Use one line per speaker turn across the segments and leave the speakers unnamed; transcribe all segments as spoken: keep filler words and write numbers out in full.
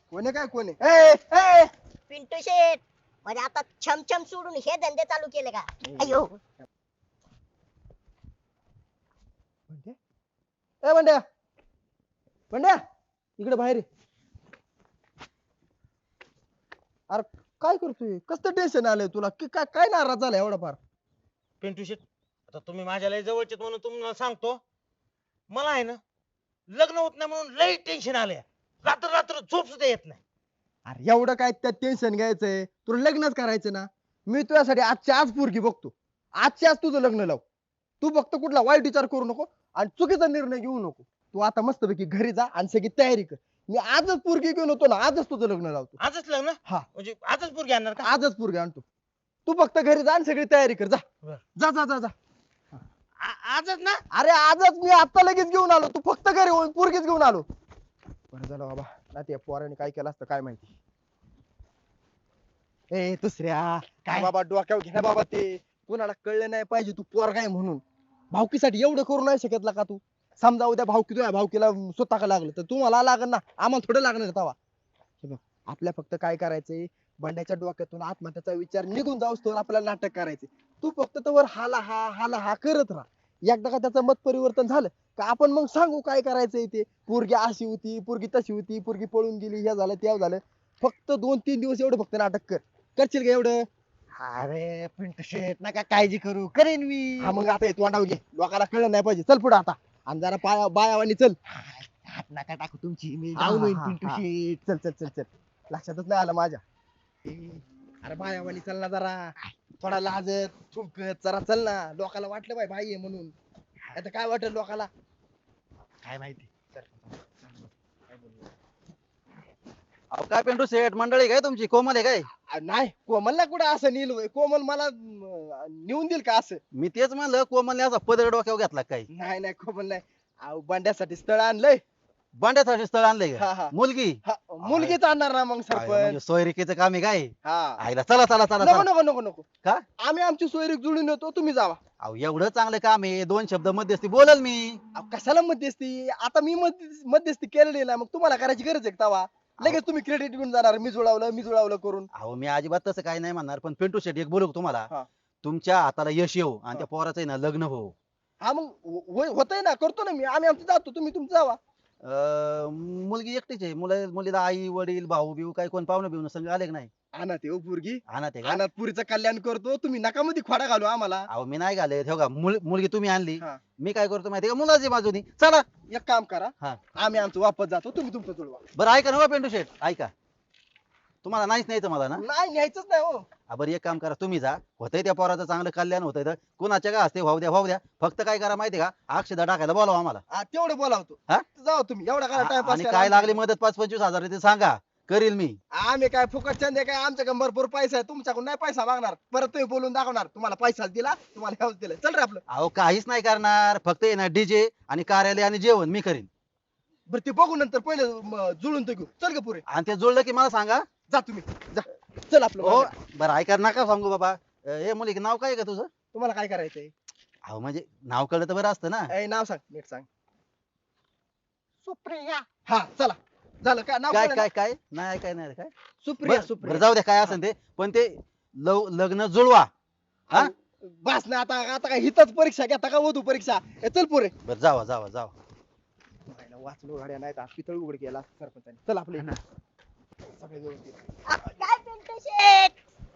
कोणी काय कोणी ए ए
पिंटू शेट म्हणजे आता छमछम सोडून हे धंदे चालू केले का? अयो
ए बंड्या बंड्या इकडे बाहेर ये. अरे काय करतोय कसं टेन्शन आलंय तुला की काय काय नाराज झाला एवढा फार
पिंटू शेट आता तुम्ही माझ्या लय जवळचे म्हणून तुम्हाला सांगतो मला आहे ना लग्न होत नाही म्हणून लय टेन्शन आलंय. रात्र रात्र झोप सुद्धा येत नाही.
अरे एवढं काय त्यात टेन्शन घ्यायचंय तुला लग्नच करायचं ना मी तुझ्यासाठी आजची आज पोरगी बघतो आजची आज तुझं लग्न लाव तू फक्त कुठला वाईट विचार करू नको आणि चुकीचा निर्णय घेऊ नको तू आता मस्तपैकी घरी जा आणि सगळी तयारी कर मी आजच पोरगी घेऊन होतो ना आजच तुझं लग्न लावतो
आजच लग्न
हा
म्हणजे आजच पोरगी आणणार का?
आजच पोरगी आणतो तू फक्त घरी जा आणि सगळी तयारी कर जा
बरं.
जा जा जा जा
आ- आजच ना
अरे आजच मी आता लगेच घेऊन आलो तू फक्त घरी होऊन पोरगीच घेऊन आलो बरं झालं बाबा ना त्या पोराने काय केलं असतं काय माहिती ए दुसऱ्या काय बाबा डोक्यावर घे ना बाबा ते कुणाला कळलं नाही पाहिजे तू पोरगा आहे म्हणून भावकीसाठी एवढं करू नाही शकत का तू समजा उद्या भावकी तुझ्या भावकीला स्वतः का लागलं तर तुम्हाला लागल ना आम्हाला थोडं लागणार तवा हे बघ आपल्या फक्त काय करायचंय बंड्याच्या डोक्यातून आत्महत्याचा विचार निघून जाऊस तर आपल्याला नाटक करायचे तू फक्त तवर हाला हा हाला हा करत राहा एकदा का त्याचं मत परिवर्तन झालं का आपण मग सांगू काय करायचंय ते पोरगी अशी होती पोरगी तशी होती पोरगी पळून गेली हे झालं ते झालं फक्त दोन तीन दिवस एवढं फक्त नाटक कर करशील का एवढं
अरे पिंटू शेट नका काळजी करू करेन मी
हा मग आता तोंडाव घे लोकांना कळलं नाही पाहिजे चल पुढे आता आणि जरा पाया बायावानी चल
हात नका टाकू तुमची मी
हा,
जाऊन होईन
हा,
पिंटू
हा.
शेट
चल चल चल चल लक्षातच नाही आलं माझ्या अरे बायावानी चल ना जरा थोडा लाजत थुंकत जरा चल ना लोकांना वाटलं बाई बाई आहे म्हणून आता काय वाटलं लोकांना
काय माहिती
अहो काय पेंटू शेठ मंडळी काय तुमची कोमल आहे काय?
अ, नाही कोमलला कुठं असं नील होय कोमल मला अं, नेऊन देईल का असं
मी तेच म्हणलं कोमलने असा पदर डोक्यावर घेतला काय?
नाही नाही कोमल नाही अहो बंड्यासाठी स्थळ आणलंय
बांड्यासाठी स्थळ आणलंय
हा,
का?
हा.
मुलगी
हा, मुलगीच आणणार ना मग
आयला म्हणजे
सरपंच
सोयरिकेचं काम आहे काय?
हा
आईला चला चला चला
नको
चला.
नको नको नको
का?
आम्ही आमची सोयरीक जुळून येतो तुम्ही जावा
अहो एवढं चांगलं काम आहे दोन शब्द मध्यस्थी बोलल मी.
अहो, कशाला मध्यस्थी आता मी मध्य- मध्यस्थी केलेली ना मग तुम्हाला करायची गरज आहे का तवा लगेच तुम्ही क्रेडिट घेऊन जाणार मी जुळवलं मी जुळवलं करून
अहो मी अजिबात तसं काही नाही म्हणणार पण पेंटू शेठ एक बोलू का तुम्हाला
हा.
तुमच्या हाताला यश येऊ आणि
हा.
त्या पोराचं आहे ना लग्न हो.
हा मग होतय ना करतो ना मी आम्ही आमचं जातो तुम्ही तुमचं जावा
अं, मुलगी एकटीच आहे मुलं मुलीला आई वडील भाऊ बिऊ काय कोण पाहुणे बिवणं संग आले का नाही?
अनाथ आहे हो पोरगी
आणा ते का?
अनाथ पुरीचं कल्याण करतो तुम्ही नका मध्ये खोडा घालू आम्हाला
अहो मी नाही घाले ठेव का मुल- मुलगी तुम्ही आणली
हा.
मी काय करतो माहिती का मुलाची बाजूनी चला.
एक काम करा
हा.
आम्ही आमचं वापस जातो तुम्ही तुमचं जुळवा
बरं ऐका ना हो पेंटू शेठ ऐका तुम्हाला नाहीच न्यायचं मला ना?
नाही न्यायचंच नाही हो
हा, बरं एक काम करा तुम्ही जा होतंय त्या पोराचं चांगलं कल्याण होतंय तर कुणाच्या का असते भाऊ द्या भाऊ द्या फक्त काय करा माहिती का अक्षदा टाकायला बोलावा आम्हाला.
हा, तेवढं बोलावतो
हा?
जाऊ तुम्ही एवढा करा
आ-
टाइमपास
आणि काय लागली मदत पाच पंचवीस हजार ते सांगा करील मी.
आम्ही काय फुकट चंदे काय आमच्याकडे भरपूर पैसा आहे तुमच्याकडून नाही पैसा मागणार परत तुम्ही बोलून दाखवणार तुम्हाला पैसा दिला तुम्हाला हेच दिलं चल रे आपलं
अहो काहीच नाही करणार फक्त आहे ना डीजे आणि कार्यालय आणि जेवण मी करीन
बरं ते बघू नंतर पहिले म, जुळून तर घेऊ चल ग पुरे
आणि ते जुळलं की मला सांगा.
जा तुम्ही जा चल आपलं
हो
बघा.
बरं ऐका नका सांगू बाबा अं, हे मुली नाव काय आहे का तुझं?
तुम्हाला काय करायचंय
अहो म्हणजे नाव कळलं तर बरं असतं ना.
ए, नाव सांग नीट सांग
सुप्रिया
हा चला झालं काय नाव
काय
कळलं ना?
काय काय नाही काय नाही काय
सुप्रिया
बरं
सुप्रिया
बरं, जाऊ द्या काय असेल ते पण ते लव- लग्न जुळवा. हा?
अहो, बस ना आता आता काय हितच परीक्षा घेता का वधू परीक्षा ए, चल पुरे
बरं जावा जावा जावा.
वाचलो गाड्या नाही पितळ उघड केला सरपंचाने चल आपले सगळे व्यवस्थित.
काय पिंटू शेट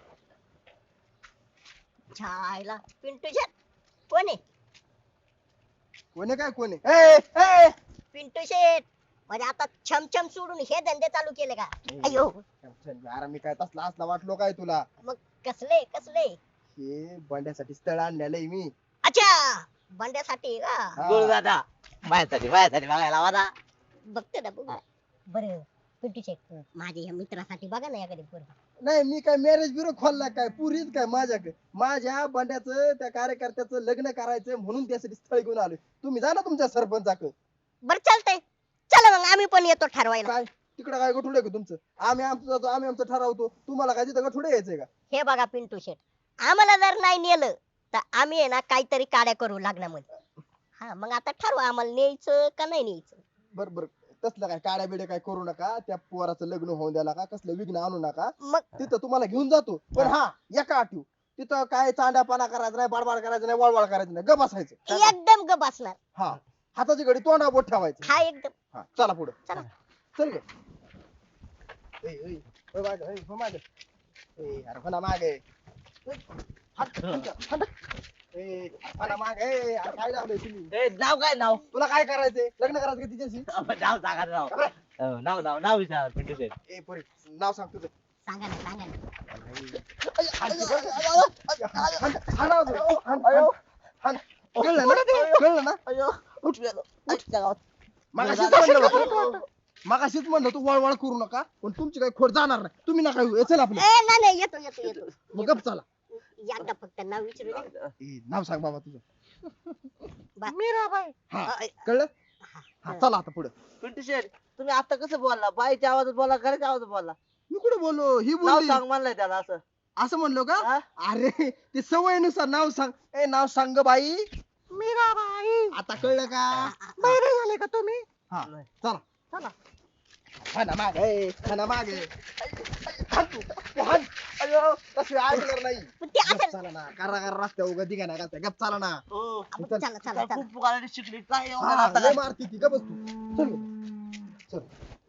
छायला पिंटू शेट कोण आहे?
कोणी काय कोणी ए ए
पिंटू शेट म्हणजे आता छमछम सोडून हे धंदे चालू केले का? अयो
अरे मी काय तसला असला वाटलो काय तुला
मग कसले कसले
हे बंड्यासाठी स्थळ आणलेलं आहे मी
अच्छा बंड्यासाठी का?
हा.
गुरु दादा माझ्यासाठी माझ्यासाठी बघायला वादा
बघते ना बघू बरं पिंटू शेट माझ्या या मित्रासाठी बघा ना एखादी पोरगी.
नाही मी काय मॅरेज ब्युरो खोलला काय पुरीच काय माझ्याकडे माझ्या बंड्याचं त्या कार्यकर्त्याचं लग्न करायचं म्हणून त्यासाठी स्थळ घेऊन आलोय तुम्ही जा ना तुमच्या सरपंचाकडे
बरं चालतंय चला मग आम्ही पण येतो ठरवायला.
काय तिकडे काय गठुडे आहे का तुमचं आम्ही आमचं जातो आम्ही आमचं ठरवतो तुम्हाला काय तिथं गठुडे यायचंय का
हे बघा पिंटू शेट आम्हाला जर नाही नेलं तर आम्ही आहे ना काहीतरी काड्या करू लग्नामध्ये. हा मग आता ठरवा आम्हाला न्यायचं का नाही न्यायचं.
बर बर तसलं काय काड्या बिड्या काय करू नका त्या पोराचं लग्न होऊन द्याला का कसलं विघ्न आणू नका
मग
तिथं तुम्हाला घेऊन जातो पण हा एका आठव तिथं काय चांडापाना करायचं नाही बाडबाड करायचं नाही वळवळ करायचं नाही ग बसायचं
एकदम ग बसणार.
हा हाताची घडी तोंडा बोट ठेवायचं
हा एकदम.
हा चला पुढे
चला.
चल गे ए, ए, ए, मागं, ए, हो मागं. ए, अरे फणा मागे हट, हट, हट. ए, फणा मागे ए, अरे काय लावलंय तुम्ही
ए, नाव काय नाव
तुला काय करायचंय लग्न करायचं का तिच्याशी
नाव सांगा नाव अ, नाव नाव नाव विचार पिंटू शेठ
ए पोरी नाव सांग तुझं
सांगा ना सांगा ना.
कळलं ना कळलं ना मगाशीच म्हणलं होतं मगाशीच म्हणलं तू वळवळ करू नका पण तुमची काही खोड जाणार नाही तुम्ही नका येऊ. चल आपलं
ए नाही नाही येतो येतो येतो.
मग गप चला
एकदा फक्त नाव विचारू दे.
ए, नाव सांग बाबा तुझं
बा-
मीराबाई
हा कळलं हा चला आता पुढे
पिंटू शेठ तुम्ही आता कसं बोलला बाईच्या आवाजात बोलला घराच्या आवाजात बोलला
मी कुठे बोललो ही
नाव
बोलली
सांग म्हणलंय त्याला असं
असं म्हणलो का
हा?
अरे ते सवयीनुसार नाव सांग ए नाव सांग ग बाई
मीराबाई
आता कळलं का
बहिरे झाले का तुम्ही
हा चला चला खाना मागे खाना मागे हाण तू, तू हाण. अयो तशी ऐकणार नाही
पण ते
गप
असं
चाला ना करा करा रस्त्या उगा दिगा ना घालत्या गप चाला ना
हो
चला चला चला.
खूप पुकारली शिकली काय एवढं
हा,
आता
लय
काय?
मारती ती गप बस तू चल चल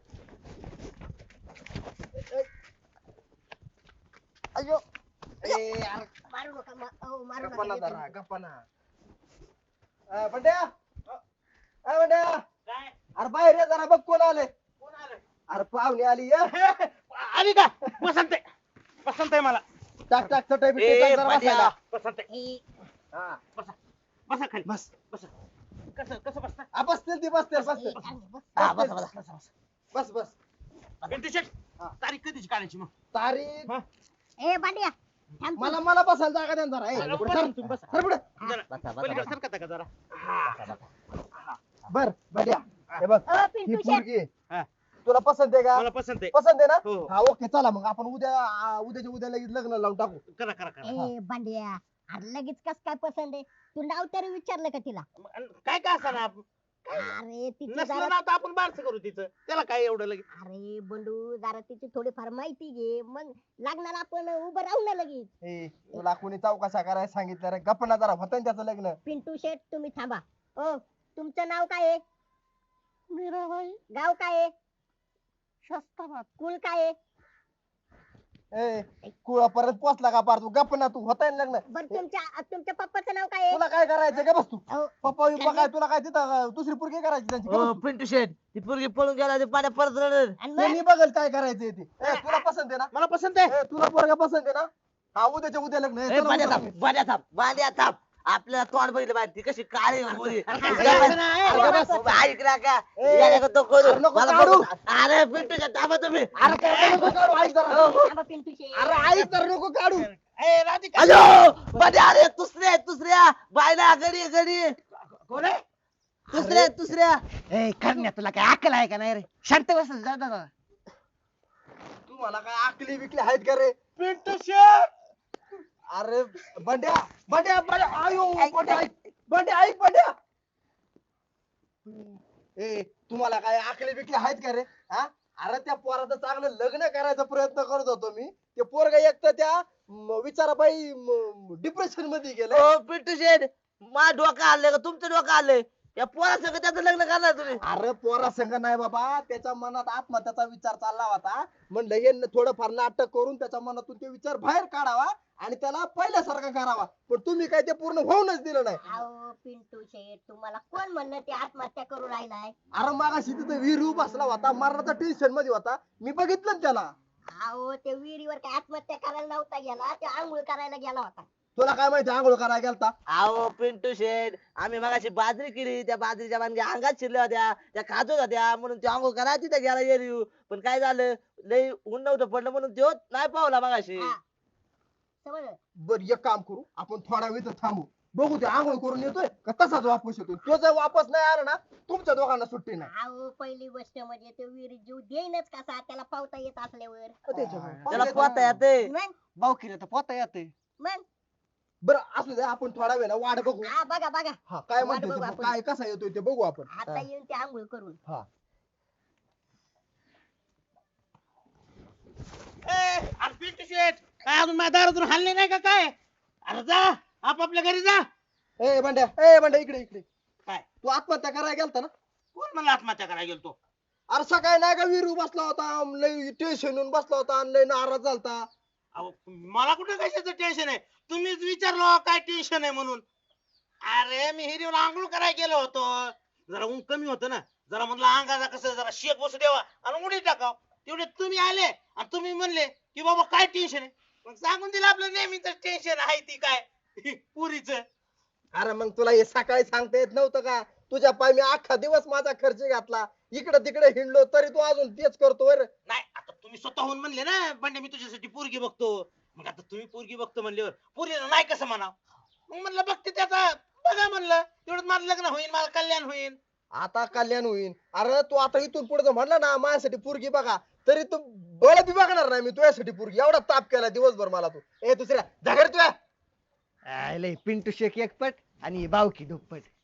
अयो
ए यार
मारू नका मा- अहो, मारू
गप्पा ना
नका
जरा गप्पा ना अ, बंड्या अ, बंड्या अरे बाहेर ये जरा बघ कोण आले अरे पाहुणे आली ये
आली का पसंत आहे पसंत आहे मला
टाक टाक चटई
ए,
बिटई टाक जरा
भांड्या,
बसायला
पसंत आहे
हे
हा
बसा खाली
बस
बसा कसं कसं बसता
आ, बसतील ती बसतील
हे
बसतील
चांगलं बस.
हा, बसा, बसा, बसा, बसा.
बस बस
पिंटू शेट
हा.
तारीख कधीची काढायची मग
तारीख
ए बांडिया थांब तू.
मला मला बसायला जागा द्या ना जरा ए, पुढे सर.
तुम्ही बसा.
सर पुढे
जरा
बसा, बसा,
पलीकडे
बसा.
सरकता का जरा
बर बढिया हे बघ
अ,
ही
पिंटू शेट
पोरगी
हा.
तुला पसंत आहे का
मला पसंत आहे
पसंत आहे ना
हो
हा ओके चला मग आपण उद्या आ, उद्याच्या उद्या लगेच लग्न लावून टाकू
करा करा करा
ए बांडिया अरे लगेच कस काय पसंत आहे तू नाव तरी विचारलं का तिला
अन काय काय असं ना
अरे तिची
नसलं
जरा
ना तर आपण बारसं करू तिचं त्याला काय एवढं लगेच
अरे बंडू जरा तिची थोडीफार माहिती घे मग लागणार आपण उभं राहू ना लगेच
ए तुला कोणी चौकशा करायला सांगितलं रे गप्प ना जरा होतं ना त्याचं लग्न
पिंटू शेठ तुम्ही थांबा ओ तुमचं नाव काय आहे
मीराबाई
गाव काय आहे
शस्त्राबाद
कुल काय आहे
ए कुळा परत पोचला का पार तू गप्प ना तू होताय ना लग्न
बरं तुमच्या तुमच्या पप्पाचं नाव काय आहे
तुला काय करायचं का बस तू
अहो,
पप्पा बिप्पा काय तुला काय तिथं अं, दुसरी पोरगी करायची त्यांची का
हो
बस तू?
पिंटू शेठ ती पोरगी पळून गेला ते पाण्या परत रडत
आणि
ते
मग?
मी बघल काय करायचं ते ए, तुला पसंत आहे ना
मला पसंत आहे
ए, तुला पोरगा पसंत आहे ना हा उद्याच्या उद्या लग्न आहे.
ए,
चला
बांड्या
उद्या.
थांब बांड्या थांब बांड्या थांब आपल्याला तोंड बघितलं पाहिजे ती कशी काळी गोरी
असं नाही.
अरे बस, ऐक ना का
ए,
याला का तो करू
अरे नको
मला
काढू.
बघू. अरे पिंटू शेठ थांबा तुम्ही
अरे काय नको काढू, ऐक जरा.
थांबा पिंटू शेठ
अरे आई तर नको काढू
ए, राधिका
अयो बांड्या अरे दुसऱ्या दुसऱ्या बायला गडी गडी
कोण आहे
दुसऱ्या दुसऱ्या
ए करण्या तुला काय अक्कल आहे का नाही रे शांत बस जा जा, जा.
तुम्हाला काय आकली बिकली आहेत का रे
पिंटू शेट
अरे बंड्या बंड्या बंड्या आयो बंड्या ऐक बंड्या ऐक बंड्या ए तुम्हाला काय आकली बिकली आहेत का रे हा अरे त्या पोराचं चांगलं लग्न करायचा प्रयत्न करत होतो मी ते पोरगा एक तर त्या म, विचाराबाई डिप्रेशन मध्ये गेलं
ओ पिंटू शेठ मा डोकं आलंय का तुमचं डोकं आलंय या पोरा सगळं त्याचं लग्न करणार तुम्ही
अरे पोरा संग नाही बाबा त्याच्या मनात आत्महत्याचा विचार चालला होता म्हणलं हे थोडंफार नाटक करून त्याच्या मनातून ते विचार बाहेर काढावा आणि त्याला पहिल्यासारखा करावा पण तुम्ही काय ते पूर्ण होऊनच दिलं नाही
अहो पिंटू शेठ तुम्हाला कोण म्हणलं ते आत्महत्या करू राहिलाय
अरे मागाशी तिथं विहीर बसला होता मरणाचा टेन्शन मध्ये होता मी बघितलं ना त्याला
अहो ते विहिरीवर काय आत्महत्या करायला नव्हता गेला ते आंघोळ करायला गेला होता
तुला काय माहिती आंघोळ करायला गेलता
अहो पिंटू शेठ आम्ही मगाशी बाजरी केली त्या बाजरीच्या बांधल्या अंगात शिरल्या होत्या त्या खाजत होत्या म्हणून ते अंघोळ करा तिथे गेला येऊ पण काय झालं लई ऊन नव्हतं पडलं म्हणून तो नाही पावला मगाशी
हा. समजलं
बर एक काम करू आपण थोडा वेळ इथं थांबू बघू ते आंघोळ करून येतोय का तसाच वापस येतोय तो जर वापस नाही आला ना तुमच्या दोघांना सुट्टी नाही
अहो पहिली गोष्ट म्हणजे ते विहिरीत जीव देईनच कसा त्याला पावता येत असल्यावर
त्याला पोहता येते
मग
भाऊकीला तर पोता येते
मग
बरं असू दे आपण थोडा वेळ ना वाट बघू
हा बघा बघा
हा काय
वाट
म्हणते
बघू
ते,
आपण.
काय कसा येतोय ते बघू आपण
आता येऊन ते आंघोळ करून
शेठ काय अजून माझ्या दारातून हल्ले नाही का काय? अरे जा आपापल्या घरी जा.
ए बंड्या ए बंड्या इकडे इकडे.
काय?
तू आत्महत्या करायला गेलता ना?
कोण मला आत्महत्या करायला गेलतो?
अरे सकाळी नाही का विरू बसला होता, लय टेन्शन येऊन बसला होता आणि लय नाराज झालता.
अहो मला कुठं कशाचं टेन्शन आहे? तुम्हीच विचारलं काय टेन्शन आहे म्हणून. अरे मी हिरीवर आंघोळ करायला गेलो होतो, जरा ऊन कमी होतं ना, जरा म्हणलं अंगाचा कसं जरा शेक बसू द्यावा आणि उडी टाकाव. तेवढे तुम्ही आले आणि तुम्ही म्हणले की बाबा काय टेन्शन आहे. मग सांगून दिलं आपलं नेहमीच टेन्शन आहे ती काय पुरीच.
अरे मग तुला हे सकाळी सांगता येत नव्हतं का? तुझ्या पाय मी अख्खा दिवस माझा खर्च घातला, इकडे तिकडे हिंडलो तरी तू अजून तेच करतो बरं.
नाही आता तुम्ही स्वतःहून म्हणले ना बंडे मी तुझ्यासाठी पोरगी बघतो. मग आता तुम्ही पोरगी बघतो म्हणल्यावर पोरीला नाही कसं म्हणाव. मग म्हणलं बघते त्याचा बघा म्हणलं तेवढं माझं लग्न होईल, माझं कल्याण होईल.
आता कल्याण होईल. अरे तू आता इथून पुढे जर म्हणला ना माझ्यासाठी पोरगी बघा, तरी तू बळ बी बघणार नाही मी तुझ्यासाठी पोरगी. एवढा ताप केला दिवसभर मला तू. ए दुसऱ्या झगड तुया.
आय लय पिंटू शेक एकपट आणि बावकी दुप्पट.